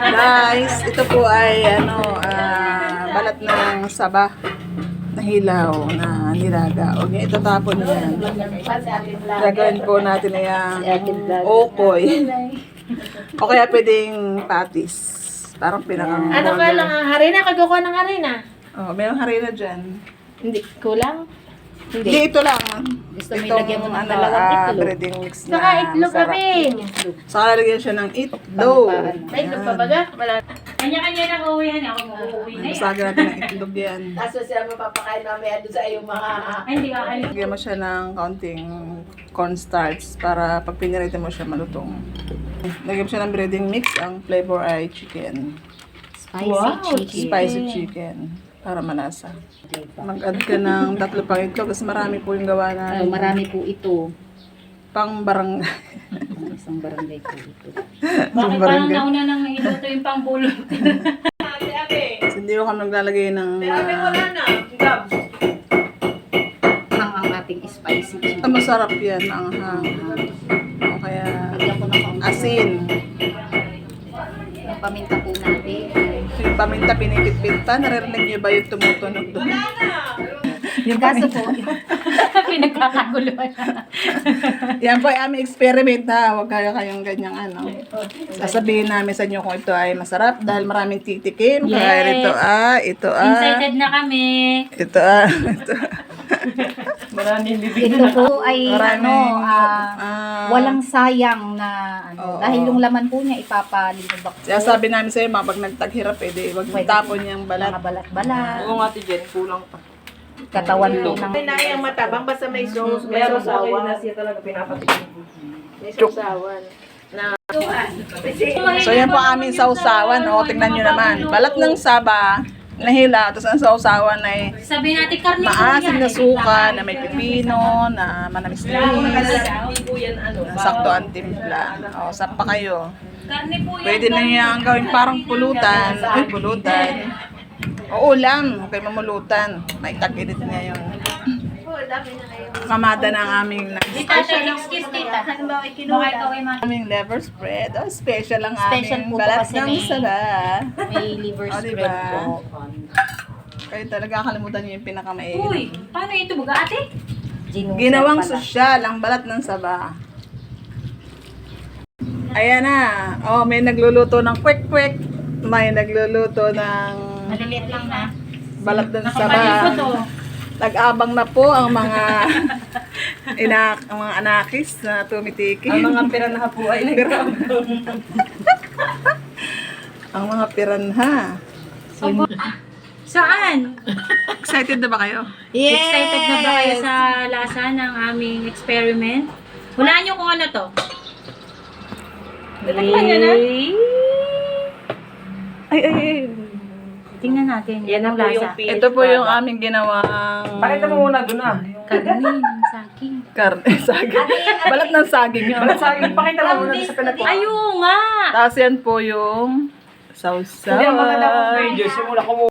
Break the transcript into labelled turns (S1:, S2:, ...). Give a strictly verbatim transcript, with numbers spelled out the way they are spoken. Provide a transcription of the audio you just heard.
S1: Guys, ito po ay ano, ah, balat ng saba na hilaw na nilaga. Huwag niya itatapon yan. Gagawin po natin na yung okoy. O kaya pwedeng patis. Parang pinakang
S2: Ano ka lang, ah, harina? Kagawa ng harina?
S1: Oh, mayroong harina dyan.
S2: Hindi, kulang?
S1: Hindi,
S2: Hindi.
S1: ito lang.
S2: Gusto mo
S1: Itong,
S2: ilagyan mo ng
S1: ano,
S2: dalawang
S1: ah,
S2: itlog?
S1: breading mix na
S2: Saka itlog
S1: masarap.
S2: kami.
S1: Saka lalagyan siya ng itlog.
S2: Ay, itlog pa baga? Wala.
S3: Kanya-kanya na uuwihan. Ako mag-uuwi na yan.
S1: Basagin natin ng itlog yan.
S2: Kaso siya mapapakain mamaya doon sa iyong mga...
S3: Ay, hindi ka kalit.
S1: Lagyan mo siya ng kaunting cornstarch para pag pinirita mo siya malutong. Lagyan mo siya ng breading mix. Ang flavor ay chicken.
S2: Spicy
S3: Wow,
S2: chicken.
S1: Spicy chicken. Para malasa. Mag-add ka ng tatlo pang itlog kasi marami po yung gawa
S2: Ah,
S1: natin.
S2: marami po ito.
S1: Pang barangay.
S2: Isang barangay po ito.
S3: Bakit parang nauna nang iluto yung pangbulot?
S1: So, hindi ko kami naglalagay ng uh,
S2: Ang ang ating spicy chicken.
S1: ah, masarap yan. Ang hang. O kaya
S2: Lagyan ko na pang
S1: asin.
S2: Yung paminta po natin.
S1: Yung paminta pinipit-pit pa. Naririnig niyo ba yung tumutunog doon? Yung
S2: Kaso
S1: paminta.
S2: po,
S3: Pinagkakaguluhan.
S1: Yan po ay aming experiment ha. Huwag kayo kayong ganyang ano. Sasabihin namin sa inyo kung ito ay masarap dahil maraming titikim. Kaya
S3: Yes.
S1: ito ah, ito ah.
S3: Excited na kami.
S1: Ito ah, ito.
S2: ito po ay
S1: Maraming,
S2: ano, ah,
S1: ah,
S2: walang sayang na ano.
S1: Oo.
S2: Dahil yung laman po niya ipapalinubak po.
S1: Kaya sabi namin sa'yo, mga pag nagtaghirap, eh, di, wag
S2: Pwede.
S1: tapon yung balat.
S2: Mga balat-balat.
S4: Oo nga, Jen, kulang pa.
S2: Katawan po ng...
S5: Pinayang matabang basta may sauce, may
S4: Meron sa akin
S5: sausawan.
S4: na siya talaga pinapatikin.
S5: May sausawan.
S1: So yan po aming sausawan. O, tingnan nyo naman. Balat ng saba, nahila, tapos ang sausawan ay
S3: Sabi natin karne po
S1: maasim
S3: yan.
S1: na suka, na may pipino, na manamis-namis,
S4: Hindi po yan ano.
S1: na sakto ang timpla. O, saan pa kayo?
S3: Karne po yan.
S1: Pwede na yung gawin parang pulutan. Ay, pulutan. O ulam, okay mamulutan. May tag-edit niya yung kamada ng aming
S3: Tita, excuse tita. Baka ikaw ay ma-
S1: aming liver spread. Oh, special ang
S2: Special
S1: aming
S2: po to
S1: balat
S2: kasi
S1: ng
S2: may-
S1: saba.
S2: May liver
S1: O,
S2: spread
S1: diba?
S2: po.
S1: Kayo talaga kalimutan niyo yung pinakamain.
S3: Uy, paano ito baga ate?
S2: Ginusa
S1: Ginawang
S2: pala.
S1: sosyal ang balat ng saba. Ayan na. Oh, may nagluluto ng kwek-kwek. May nagluluto ng
S2: Maliliit lang na.
S1: balat ng
S3: Nakapanin ko to.
S1: saba. Nag-abang na po ang mga inak, ang mga anakis na tumitiki.
S4: Ang mga piranaha po ay nagkakaroon.
S1: Ang mga piranha.
S3: Saan?
S1: Excited na ba kayo?
S3: Excited na ba kayo sa lasa ng aming experiment? Hulaan nyo kung ano to.
S4: Natakpan niya na?
S1: Ay, ay, ay.
S3: Tingnan natin.
S4: Yan
S3: yung
S4: na po
S3: lasa.
S4: yung P H
S1: Ito po yung
S4: product.
S1: aming ginawang
S4: Pakita mo muna doon ah.
S3: Karne, saging.
S1: karne, saging. Balat ng saging yun.
S4: Balat sa akin, pakita mo muna doon sa pinag-
S3: Ayun nga!
S1: Tapos yan po yung sausaw.
S4: Hindi, ang maganda po video. Simula ko